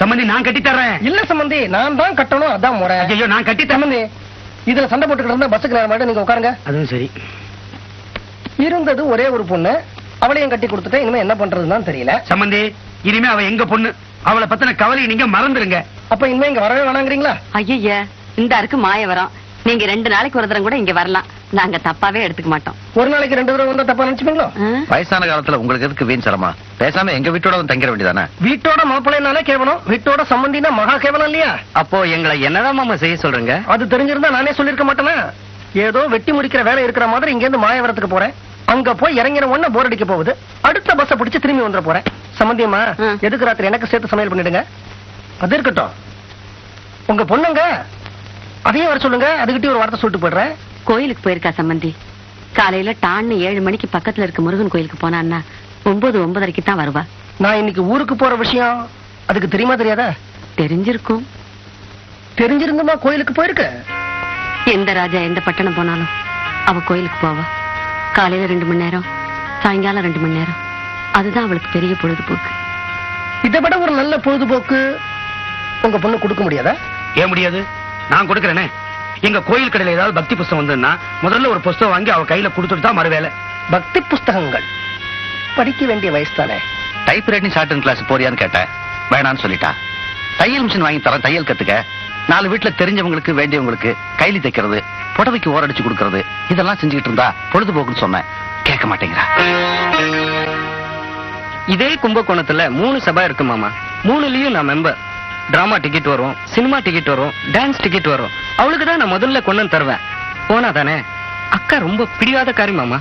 சம்பந்தி நான் கட்டி தர்றேன். இல்ல சம்பந்தி, நான் தான் கட்டணும், அதான் முறை. ஐயோ நான் கட்டி சம்பந்தி, இதுல சண்டை போட்டுக்கிட்டு இருந்தா பஸ்ஸுக்கு நேரம் ஆயிடும், நீங்க உட்காருங்க. அதுவும் சரி. இருந்தது ஒரே ஒரு பொண்ணு, அவளையும் கட்டி கொடுத்துட்டேன். இனிமே என்ன பண்றதுன்னு தெரியல. சம்பந்தி, இனிமே அவ எங்க பொண்ணு, அவளை பத்தின கவலையை நீங்க மறந்துருங்க. அப்ப இனிமே இங்க வரவே வேணாங்கிறீங்களா? ஐயா, இந்த அருக்கு மாய வரோம். நீங்க 2 நாளைக்கு ஒரு தரம் கூட இங்க வரலாம். நாங்க தப்பாவே எடுத்துக்க மாட்டோம். ஒரு நாளைக்கு 2 தடவை வந்தா தப்பா நினைச்சுப்பீங்களோ? வயசான காலத்துல உங்களுக்கு எதுக்கு வீண் சிரமா? பேசாம எங்க வீட்டோட வந்து தங்கிட வேண்டியதானே? வீட்டோட மாப்பிள்ளைனாலே கேவலம், வீட்டோட சம்பந்தினா மகா கேவலம் இல்லையா? அப்போ எங்களை என்னதான் மாமா செய்ய சொல்றீங்க? அது தெரிஞ்சிருந்தா நானே சொல்லிருக்க மாட்டேனா? ஏதோ வெட்டி முடிக்கிற வேலை இருக்கிற மாதிரி இங்க இருந்து மாயவரத்துக்கு போறேன். அங்க போய் இறங்கின உடனே போர் அடிக்க போகுது. அடுத்த பஸ்ஸை பிடிச்சு திரும்பி வந்துட போறேன். சம்பந்தியம்மா, எதுக்கு ராத்திரி எனக்கு சேர்த்து சமையல் பண்ணிடுங்க. அது இருக்கட்டும், உங்க பொண்ணுங்க அதையும் வர சொல்லுங்க. அதுகிட்டே ஒரு வார்த்தை சொல்லிட்டு போயிடுறேன். கோயிலுக்கு போயிருக்கா சம்பந்தி. காலையில டான்னு 7 மணிக்கு பக்கத்துல இருக்க முருகன் கோயிலுக்கு போனான்னா 9:30க்கு தான் வருவா. நான் இன்னைக்கு ஊருக்கு போற விஷயம் அதுக்கு தெரியுமா தெரியாதா? தெரிஞ்சிருக்கும். தெரிஞ்சிருந்துமா கோயிலுக்கு போயிருக்க? எந்த ராஜா எந்த பட்டணம் போனாலும் அவ கோயிலுக்கு போவா. காலையில 2 மணி நேரம், சாயங்காலம் 2 மணி நேரம். அதுதான் அவளுக்கு பெரிய பொழுதுபோக்கு. இதை விட ஒரு நல்ல பொழுதுபோக்கு உங்க பொண்ணு கொடுக்க முடியாதா? ஏன் முடியாது? நான் கொடுக்கறேனே. எங்க கோயில் கடையில ஏதாவது பக்தி புஸ்தகம் வந்ததுன்னா முதல்ல ஒரு புஸ்தகம் வாங்கி அவ கையில கொடுத்துட்டு தான் மறுவேலை. பக்தி புஸ்தகங்கள் படிக்க வேண்டிய வயசு தானே. Typewriting shorthand class போறியான்னு கேட்டேன். வேணான்னு சொல்லிட்டா. தையல் மிஷின் வாங்கி தரேன், தையல் கத்துக்க. 4 வீட்டுல தெரிஞ்சவங்களுக்கு வேண்டியவங்களுக்கு கைலி தைக்கிறது, புடவைக்கு ஓரடிச்சு கொடுக்கறது, இதெல்லாம் செஞ்சுக்கிட்டு இருந்தா பொழுதுபோக்குன்னு சொன்னேன். கேட்க மாட்டேங்கிறா. இதே கும்பகோணத்துல 3 சபா இருக்கு மாமா. 3லயும் நான் மெம்பர். டிராமா டிக்கெட் வரும், சினிமா டிக்கெட் வரும், டான்ஸ் டிக்கெட் வரும். அவளுக்கு தான் நான் முதல்ல கொண்டு வந்து தருவேன். போனா தானே? அக்கா ரொம்ப பிடிவாத காரி மாமா.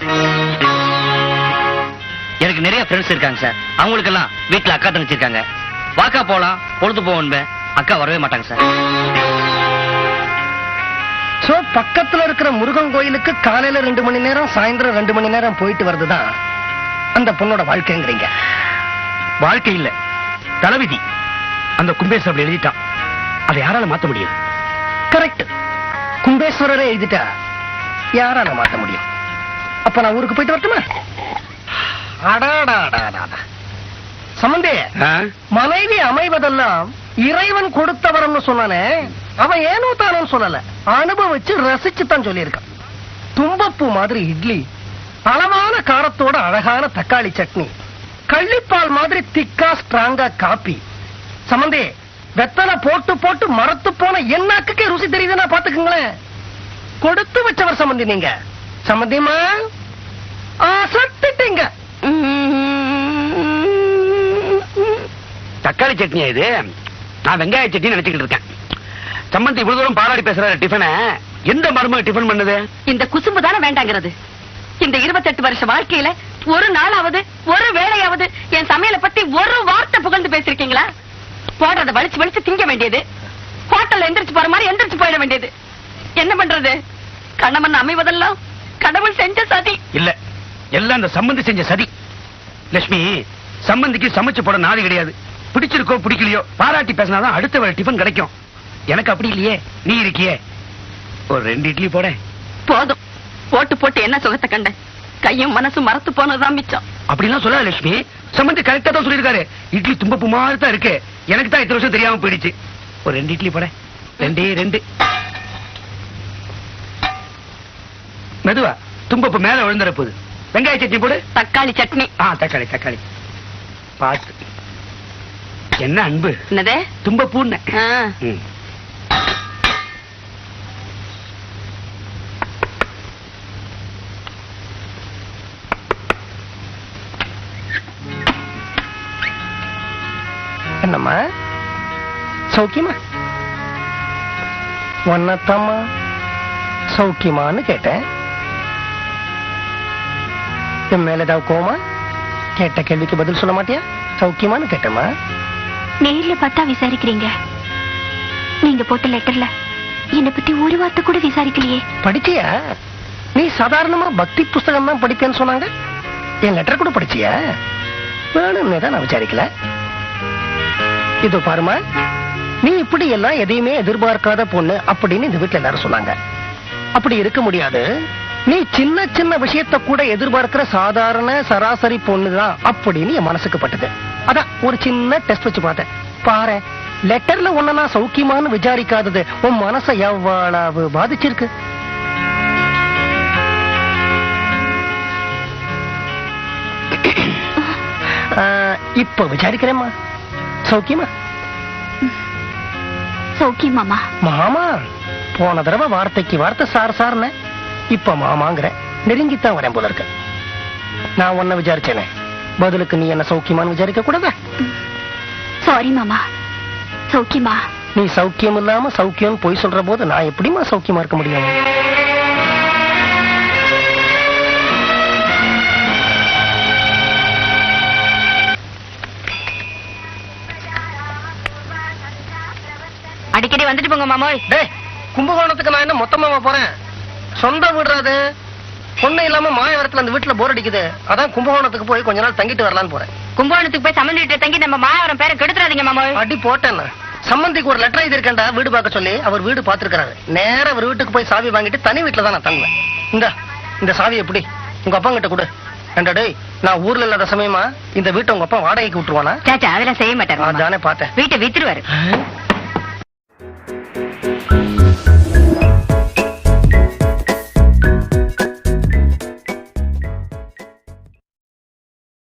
எனக்கு நிறைய ஃப்ரெண்ட்ஸ் இருக்காங்க சார். அவங்களுக்கு எல்லாம் வீட்டுல அக்கா தங்கச்சி இருக்காங்க. வாக்கா போலாம், பொழுது போவோம். அக்கா வரவே மாட்டாங்க சார். சோ பக்கத்துல இருக்கிற முருகன் கோயிலுக்கு காலையில 2 மணி நேரம், சாயந்தரம் 2 மணி நேரம் போயிட்டு வருதுதான் அந்த பொண்ணோட வாழ்க்கைங்கிறீங்க? வாழ்க்கை இல்ல, தலைவிதி. அந்த கும்பேஸ்வரர் அப்படி எழுதிட்டான். அதை யாரால மாத்த முடியும்? கரெக்ட். கும்பேஸ்வரரே எழுதிட்டா யாரால மாத்த முடியும்? அப்ப நான் ஊருக்கு போயிட்டு வரட்டுமா? சம்பந்தே, மனைவி அமைவதெல்லாம் இறைவன் கொடுத்த வரம்னு சொன்னானே, அவன் ஏனோ தானோ சொல்லல, அனுபவிச்சு ரசிச்சு தான் சொல்லியிருக்கான். தும்பப்பூ மாதிரி இட்லி, அளவான காரத்தோட அழகான தக்காளி சட்னி, கள்ளிப்பால் மாதிரி திக்கா ஸ்ட்ராங்கா காப்பி. சம்பந்தே, வெத்தலை போட்டு போட்டு மரத்து போன என்னாக்கே ருசி தெரியுதுன்னா பாத்துக்குங்களேன். கொடுத்து வச்சவர் சம்பந்தி நீங்க. சம்பந்தியமா சட்டிட்டீங்க. தக்காளி சட்னியா இது? நான் வெங்காய சட்னி நினைச்சுக்கிட்டு இருக்கேன். சம்பந்தி இவ்வளவு தூரம் பாராடி பேசுற டிஃபனை எந்த மருமக டிஃபன் பண்ணுது? இந்த குசும்பு தானே வேண்டாங்கிறது. இந்த 28 வருஷ வாழ்க்கையில ஒரு நாளாவது, ஒரு வேளையாவது என் சமையலை பத்தி ஒரு வார்த்தை புகழ்ந்து பேசிருக்கீங்களா? போடுறத வலிச்சு வலிச்சு திங்க வேண்டியது, ஹோட்டல்ல எந்திரிச்சு போற மாதிரி எந்திரிச்சு போயிட வேண்டியது. என்ன பண்றது? கணவன் அமைவதெல்லாம் கடவுள் செஞ்ச சதி இல்ல, எல்லாம் அந்த சம்பந்தி செஞ்ச சதி. லட்சுமி, சம்பந்திக்கு சமைச்சு போட நாதி கிடையாது. பிடிச்சிருக்கோ பிடிக்கலையோ பாராட்டி பேசினாதான் அடுத்த வேலை டிஃபன் கிடைக்கும். எனக்கு அப்படி இல்லையே, நீ இருக்கியே. ஒரு 2 இட்லி போட போதும். போட்டு போட்டு என்ன சுகத்தை கண்ட? கையும் மனசும் மறத்து போனதுதான் மிச்சம். அப்படிலாம் சொல்லாத லட்சுமி. சம்பந்தி கரெக்டா தான் சொல்லிருக்காரு. இட்லி தும்பப்பு மாதிரி தான் இருக்கு. எனக்கு தான் இத்தனை வருஷம் தெரியாம போயிடுச்சு. ஒரு 2 இட்லி போட. 2 மெதுவா, தும்பப்பு மேல விழுந்துற போகுது. வெங்காய சட்னி போடு. தக்காளி சட்னி. தக்காளி தக்காளி பார்த்து. என்ன அன்பு! என்னதே? தும்பப்பூன்னு. என்னம்மா சௌக்கியமா? ஒன்னத்தம்மா சௌக்கியமான்னு கேட்டேன். என் மேல ஏதாவது கோமா? கேட்ட கேள்விக்கு பதில் சொல்ல மாட்டியா? சௌக்கியமான்னு கேட்டேம்மா. நேர்ல பார்த்தா விசாரிக்கிறீங்க. நீங்க போட்ட லெட்டர்ல என்னை பத்தி ஒரு வார்த்தை கூட விசாரிக்கலையே. படிச்சியா? நீ சாதாரணமா பக்தி புஸ்தகம் தான் படிப்பேன்னு சொன்னாங்க. என் லெட்டர் கூட படிச்சியா? வேணும்னே தான் நான் விசாரிக்கல. இதோ பாருமா, நீ இப்படி எல்லாம் எதையுமே எதிர்பார்க்காத பொண்ணு அப்படின்னு இந்த வீட்டுல எல்லாரும் சொன்னாங்க. அப்படி இருக்க முடியாது. நீ சின்ன சின்ன விஷயத்த கூட எதிர்பார்க்கிற சாதாரண சராசரி பொண்ணுதான் அப்படின்னு என் மனசுக்கு பட்டது. அதான் ஒரு சின்ன டெஸ்ட் வச்சு பார்த்தேன். பாரு, லெட்டர்ல உன்ன நான் சௌக்கியமான்னு விசாரிக்காதது உன் மனசை எவ்வளவு பாதிச்சிருக்கு. இப்ப விசாரிக்கிறேம்மா, சௌக்கியமா? சௌக்கியம் மாமா. மாமா, போன தடவை வார்த்தைக்கு வார்த்தை சார் சார்னு, இப்ப மாமாங்கிற. நெருங்கித்தான் வரேன் போல இருக்க. நான் உன்னை விசாரிச்சேனே, பதிலுக்கு நீ என்ன சௌக்கியமான்னு விசாரிக்க கூடாதா? சாரி மாமா. சௌக்கியமா? நீ சௌக்கியம் இல்லாம சௌக்கியம் போய் சொல்ற போது நான் எப்படிமா சௌக்கியமா இருக்க முடியும்? அடிக்கடி வந்துட்டு போங்க மாமோய். டேய், கும்பகோணத்துக்கு நான் என்ன மொத்தமா போறேன்? சொந்த வீடுறாது. பொண்ணு இல்லாம மாயவரத்துல அந்த வீட்டுல போர் அடிக்குது. அதான் கும்பகோணத்துக்கு போய் கொஞ்ச நாள் தங்கிட்டு வரலான்னு போறேன். கும்பகோணத்துக்கு போய் சம்மந்தி வீட்டுல தங்கி நம்ம மாயவரம் பேரை கெடுத்துறாதீங்க மாமோய். அடி போட்டேன். சம்பந்திக்கு ஒரு லெட்டர் எழுதிருக்கேன்டா, வீடு பார்க்க சொல்லி. அவர் வீடு பாத்துருக்காரு. நேரா அவர் வீட்டுக்கு போய் சாவி வாங்கிட்டு தனி வீட்டுல தான் நான் தங்குவேன். இந்த சாவி எப்படி உங்க அப்பா கிட்ட கொடு. ஏண்டா டேய், நான் ஊர்ல இல்லாத சமயமா இந்த வீட்டை உங்க அப்பா வாடகைக்கு விட்டுருவானா? சாச்சா அதெல்லாம் செய்ய மாட்டாரு. அதானே பார்த்தேன். வீட்டை வித்துருவாரு.